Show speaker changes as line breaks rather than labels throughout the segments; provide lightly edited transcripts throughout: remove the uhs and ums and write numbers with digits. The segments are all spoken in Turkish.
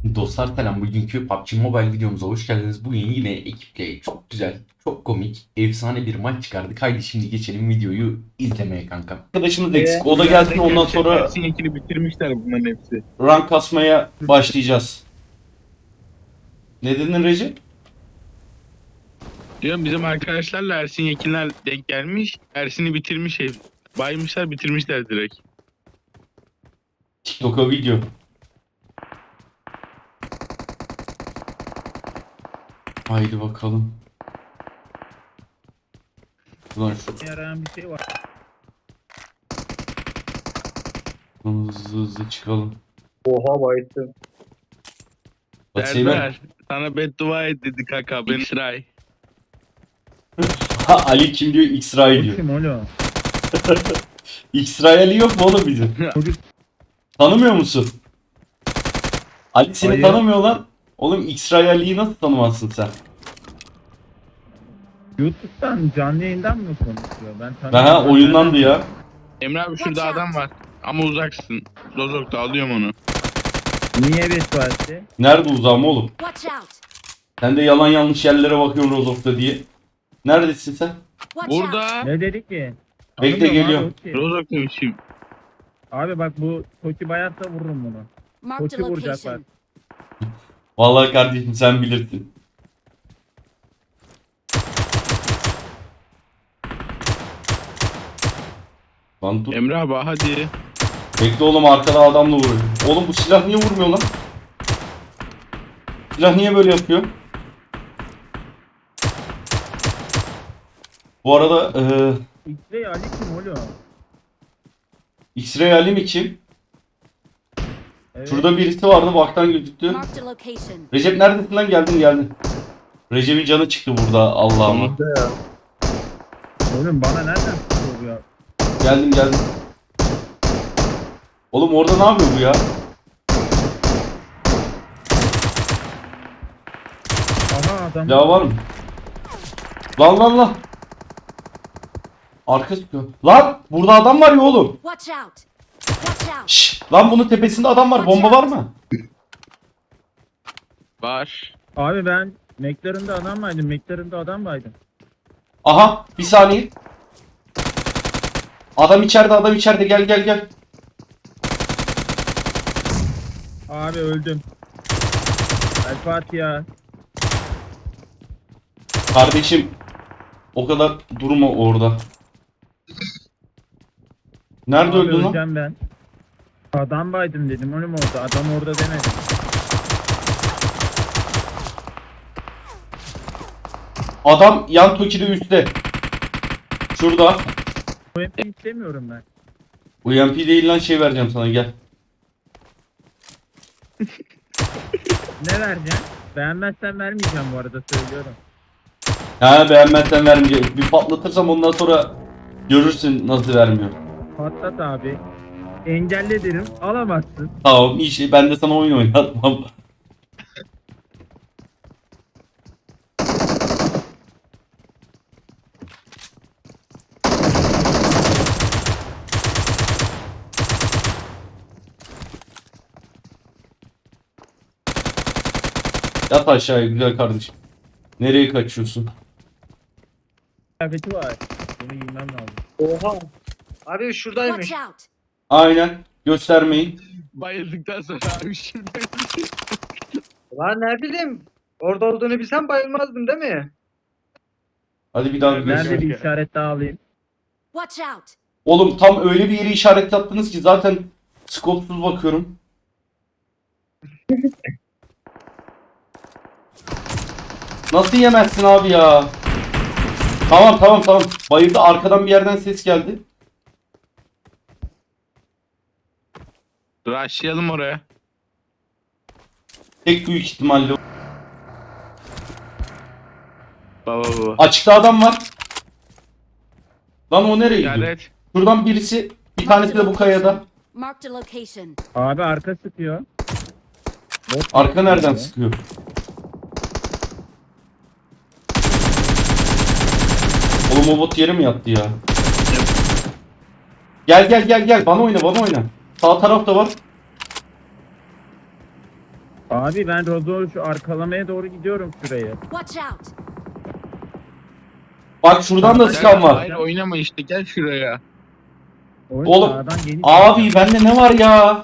Dostlar selam. Bugünkü PUBG Mobile videomuza hoş geldiniz. Bugün yine ekiple çok güzel, çok komik, efsane bir maç çıkardık. Haydi şimdi geçelim videoyu izlemeye kanka. Arkadaşımız eksik. O da gelsin, ondan sonra
Ersin Yekin'i bitirmişler bunların hepsi.
rank kasmaya başlayacağız. Ne dedin Recep?
Diyorum bizim arkadaşlarla Ersin Yekinler denk gelmiş. Ersin'i bitirmiş ev. Baymışlar bitirmişler direkt.
TikTok'a video. Haydi bakalım. Ulan
Yarayan bir şey var.
hızlı hızlı çıkalım.
Oha bayıttım.
Bak Seymen.
Serdar sana beddua et dedi kaka. Ben İsrail.
Ha, Ali kim diyor? X-Ray diyor.
Kim oğlum?
X-Ray Ali yok mu oğlum bizim?
Çocuk
Tanımıyor musun? Ali seni
Hayır.
tanımıyor lan. Oğlum X-Ray Ali'yi nasıl tanımazsın sen?
YouTube'dan canlı yayından mı konuşuyor? Ben
Ha oyundandı ya.
Emre abi şurada adam var. Ama uzaksın. Rozok'ta alıyorum onu.
Niye beddua etti?
Nerede uzağım oğlum?
Watch out!
Sen de yalan yanlış yerlere bakıyorsun Rozok'ta diye. Neredesin sen?
Watch out!
Burada
Ne dedik ki?
Bekle,
Tanımıyorum
geliyorum.
abi, Toki.
Rozok demişim.
Abi bak bu Toki bayatsa vururum bunu.
Marked a
Toki vuracak bak.
location.
Vallahi kardeşim sen bilirsin. Lan dur.
Emre abi hadi.
Bekle oğlum, arkada adamla vuruyor. Oğlum bu silah niye vurmuyor lan? Silah niye böyle yapıyor? Bu arada
X-Ray Ali kim oğlum?
X-Ray Ali mi kim?
Evet.
Şurada birisi vardı, baktan gözüktü.
Marked a location.
Recep neredesin lan? Geldin. Recep'in canı çıktı burada, Allah'ıma.
Oğlum bana nereden çıkıyor bu ya?
Geldim. Oğlum orada ne yapıyor bu ya?
Aha adam.
Silah var mı? Lan. Arka sıkıyor. Lan burada adam var ya oğlum.
Watch out! Watch out!
Şşş. Lan bunun tepesinde adam var. Bomba var mı?
Var.
Abi ben McLaren'da adam vardım. McLaren'da adam vardım.
Aha bir saniye. Adam içeride gel.
Abi öldüm. El Fatiha.
Kardeşim o kadar durma orada. Nerede
Abi
öldün lan?
öleceğim ben. Adam baydım dedim oğlum orada. Adam orada demedim.
Adam yan Toki'de üstte. Şurada.
Bu MP istemiyorum ben.
UMP değil lan, şey vereceğim sana, gel.
Ne vereceksin? Beğenmezsen vermeyeceğim bu arada söylüyorum.
Ha, beğenmezsen vermeyeceğim. Bir patlatırsam ondan sonra görürsün nasıl vermiyor.
Patlat abi. Engelle derim. Alamazsın.
Tamam iyi şey, ben de sana oyun oynatmam. Yat aşağıya güzel kardeşim. Nereye kaçıyorsun?
Kıyafeti var. Bunu giymem lazım.
Oha. Abi şuradaymış.
Watch out!
Aynen. Göstermeyin.
Bayıldıktan sonra abi şimdi.
Lan ne bileyim. Orada olduğunu bilsem bayılmazdım değil mi?
Hadi bir daha bir
Nerede
göster.
Nerede bir işaret daha alayım?
Watch out!
Oğlum tam öyle bir yere işaret yaptınız ki zaten skopsuz bakıyorum. Nasıl yemezsin abi ya? Tamam. Bayıldı, arkadan bir yerden ses geldi.
Rushlayalım oraya.
Tek büyük ihtimalle.
Baba.
Açıkta adam var. Lan o nereye gidiyor?
İşaret.
Şuradan birisi, bir tanesi de bu kayada.
Marked a location.
Abi arka sıkıyor. Bot
Arka nereden
sıkıyor.
sıkıyor? Oğlum o bot yere mi yattı ya? Gel. Bana oyna. Sağ tarafta var.
Abi ben Rozo şu arkalamaya doğru gidiyorum şuraya.
Watch out!
Bak şuradan da sıkan var.
Hayır oynama işte gel şuraya.
Oyun
Oğlum,
sağdan geniş
Abi
geliyor.
bende ne var ya?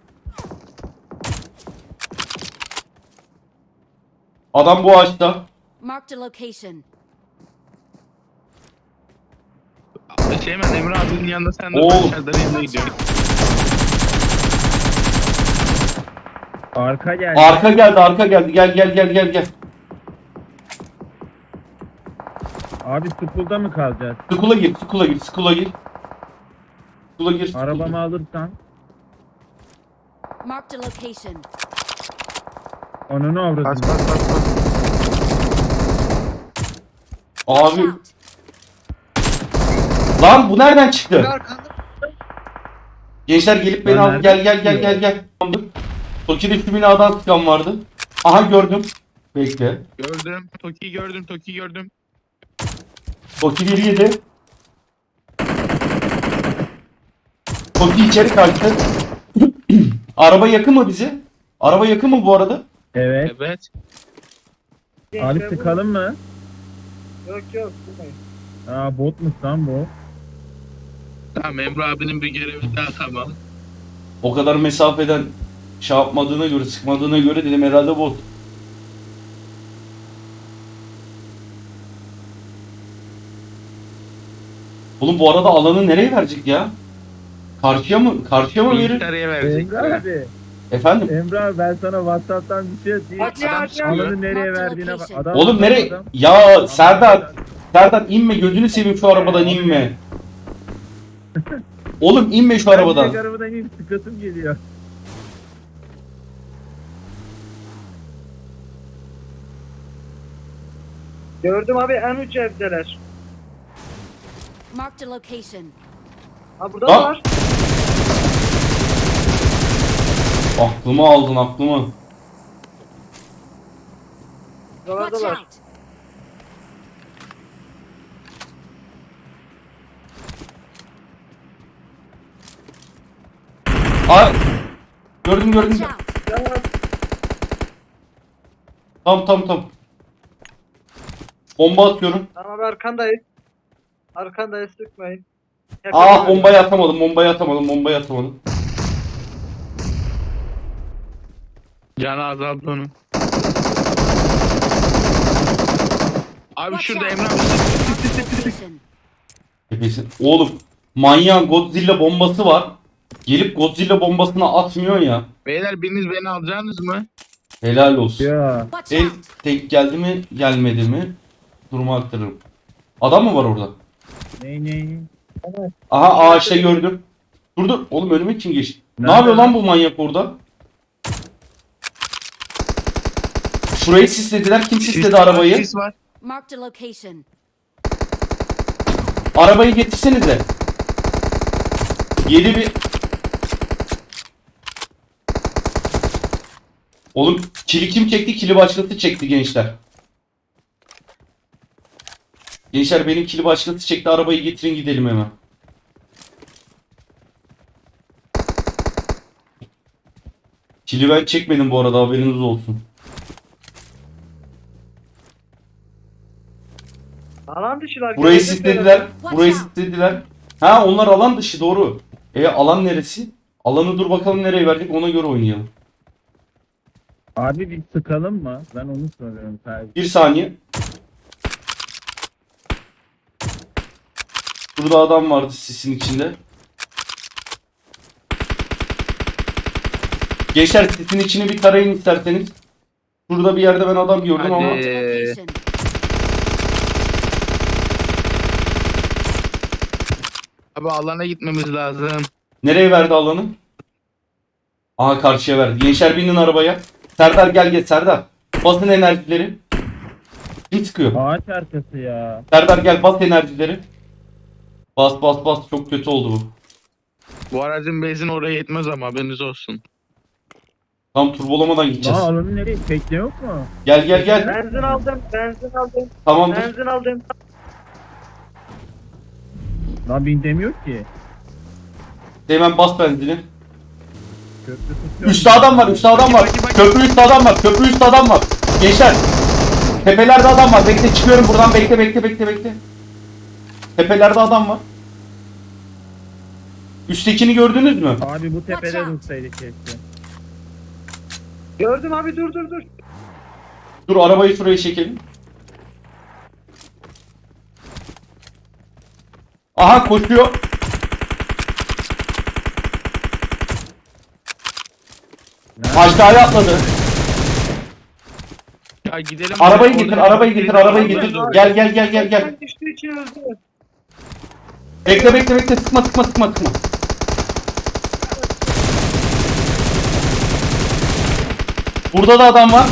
Adam bu ağaçta.
Marked a location.
Hemen Emre abinin yanında sen de
Oğlum.
aşağıdan yanına gidiyorsun.
Arka geldi.
Arka geldi, arka geldi. Gel gel gel gel gel.
Abi school'da mı kalacağız?
Skula gir, skula gir, skula gir. Skula gir. skula
Arabamı
gir.
alırsan.
Marked a location.
Onu ne avradın?
Bas bas bas bas.
Watch
Abi
out!
lan bu nereden
Bir
çıktı?
arkanda.
Gençler gelip beni
Lan
al.
nereden
Gel gel gel
çıkıyor?
gel gel. Tamamdır. Toki'de şu binadan sıkan vardı. Aha gördüm. Bekle.
Gördüm. Toki'yi gördüm. Toki'yi gördüm.
Toki 1-7. Toki içeri kaçtı. Araba yakın mı bize? Araba yakın mı bu arada?
Evet.
Evet.
Abi
Gençler,
sıkalım mı?
Yok yok. Sıkmayın.
Aa botmuş lan bu.
Tamam Emre abinin bir görevi daha tamam.
O kadar mesafeden şey yapmadığına göre, sıkmadığına göre dedim herhalde bot. Oğlum bu arada alanı nereye verecek ya? Karşıya mı? Karşıya mı verir?
Bilgisayarıya
Emre
verecekler.
abi.
Efendim?
Emre abi ben sana Whatsapp'tan bir şey atayım.
Adam çıkıyor.
Alanı nereye verdiğine bak. Adam,
Oğlum
adam,
nereye?
adam.
Ya Serdar, Serdar inme gözünü seveyim şu arabadan inme. Oğlum inme şu
Ben
arabadan.
direkt arabadan inip sıkasım geliyor.
Gördüm abi en uç evdeler.
Marked a location.
Ha burada
Ha?
da var.
Aklımı aldın aklımı.
Watch
Buralardalar.
out!
Ay. Gördüm gördüm.
Watch out!
Ya,
Tam. Bomba atıyorum.
tamam abi arkandayız. Arkandayız sıkmayın.
Ah bombayı atamadım.
Canı azaldı onun. Abi
Watch
şurada
out!
Emre abi.
Marked a location.
Tepesin. Oğlum manyağın Godzilla bombası var. Gelip Godzilla bombasını atmıyor ya.
Beyler biriniz beni alacaksınız mı?
Helal olsun.
Ya.
Watch
El
out!
tek geldi mi gelmedi mi durumu aktarırım. Adam mı var orada?
Ne?
Aha ağaçta gördüm. Dur. Oğlum önüme kim geçti? Ne
Nerede
yapıyor lan
lan?
bu manyak orada? Şurayı sislediler. Kim sisledi arabayı?
Sis var.
Marked a location.
Arabayı getirsenize. Yedi bir... Oğlum kili kim çekti? Kili başkası çekti gençler. Gençler benim kili başkası çekti. Arabayı getirin gidelim hemen. Kili ben çekmedim bu arada haberiniz olsun.
Alan dışılar.
Burayı
gelecekler.
sislediler. Burayı sislediler. Ha onlar alan dışı doğru. Alan neresi? Alanı dur bakalım nereye verecek ona göre oynayalım.
Abi bir sıkalım mı? Ben onu soruyorum sadece.
Bir saniye. Burada adam vardı sisin içinde. Gençler sisin içini bir tarayın isterseniz. Şurada bir yerde ben adam gördüm ama.
Hadi.
Marked a location.
Abi alana gitmemiz lazım.
Nereye verdi alanı? Aha karşıya verdi. Gençler binin arabaya. Serdar gel Serdar. Basın enerjileri. Kim sıkıyor?
Ağaç arkası ya.
Serdar gel bas enerjileri. Bas çok kötü oldu bu.
Bu aracın benzin oraya yetmez ama haberiniz olsun.
Tam turbolamadan gideceğiz.
Aa alanı nereye? Tekne yok mu?
Gel.
Benzin aldım.
Tamamdır.
Benzin aldım.
Lan bin demiyor ki.
Hemen bas benzini.
Köprü tutuyor.
Üstte adam var, üstte adam var. Köprü üstte adam var, köprü üstte adam var. Gençler. Tepelerde adam var. Bekle çıkıyorum buradan. Bekle. Tepelerde adam var. Üsttekini gördünüz mü?
Abi bu tepede
Watch out.
dursaydık keşke.
Gördüm abi, dur.
Dur arabayı şuraya çekelim. Aha koşuyor. Aşağıya atladı.
Ya gidelim.
Arabayı
Orada-
getir, arabayı getir, arabayı getir. Gel.
Ben düştüğü için öldü.
Bekle. Sıkma. Burada da adam var.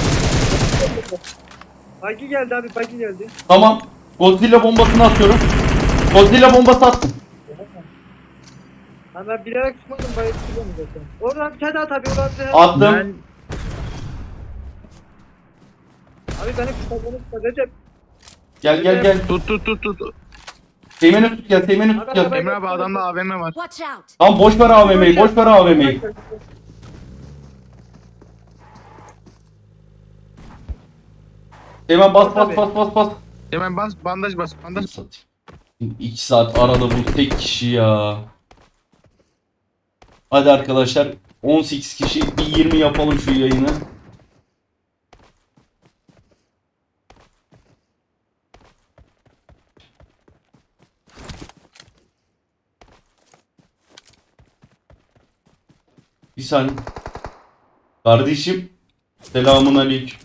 Bagi geldi abi, bagi geldi.
Tamam. Godzilla bombasını atıyorum. Godzilla bombası attım.
Ha, ben bilerek tutmadım, bayılıp tutuyorum zaten. Oradan bir tane at abi, oradan bir tane at.
Attım.
Ben
Abi beni kısaltmanı Recep.
Gel.
Tut.
Teğmeni tut gel.
Emre abi adamda AVM var.
Watch out!
Tamam boş ver AVM'yi. Hemen bas.
Hemen bandaj bas.
Satayım. 2 saat arada bu tek kişi ya. Hadi arkadaşlar 18 kişi bir 20 yapalım şu yayını. Bir saniye. Kardeşim selamun aleyküm.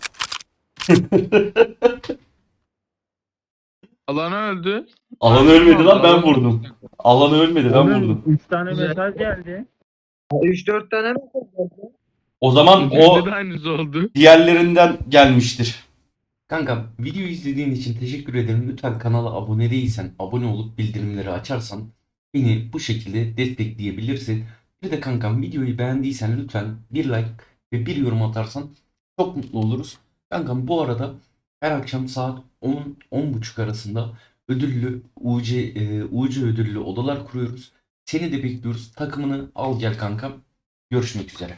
Alan öldü.
Alan ölmedi lan ben vurdum. Alan ölmedi ben vurdum.
3 tane
Güzel.
mesaj geldi.
3-4 tane mi oldu?
O zaman o
Bizde de aynısı oldu.
diğerlerinden gelmiştir. Kanka videoyu izlediğin için teşekkür ederim. Lütfen kanala abone değilsen abone olup bildirimleri açarsan beni bu şekilde destekleyebilirsin. Bir de kankam videoyu beğendiysen lütfen bir like ve bir yorum atarsan çok mutlu oluruz. Kankam bu arada her akşam saat 10-10.30 arasında ödüllü UC ödüllü odalar kuruyoruz. Seni de bekliyoruz. Takımını al gel kankam. Görüşmek üzere.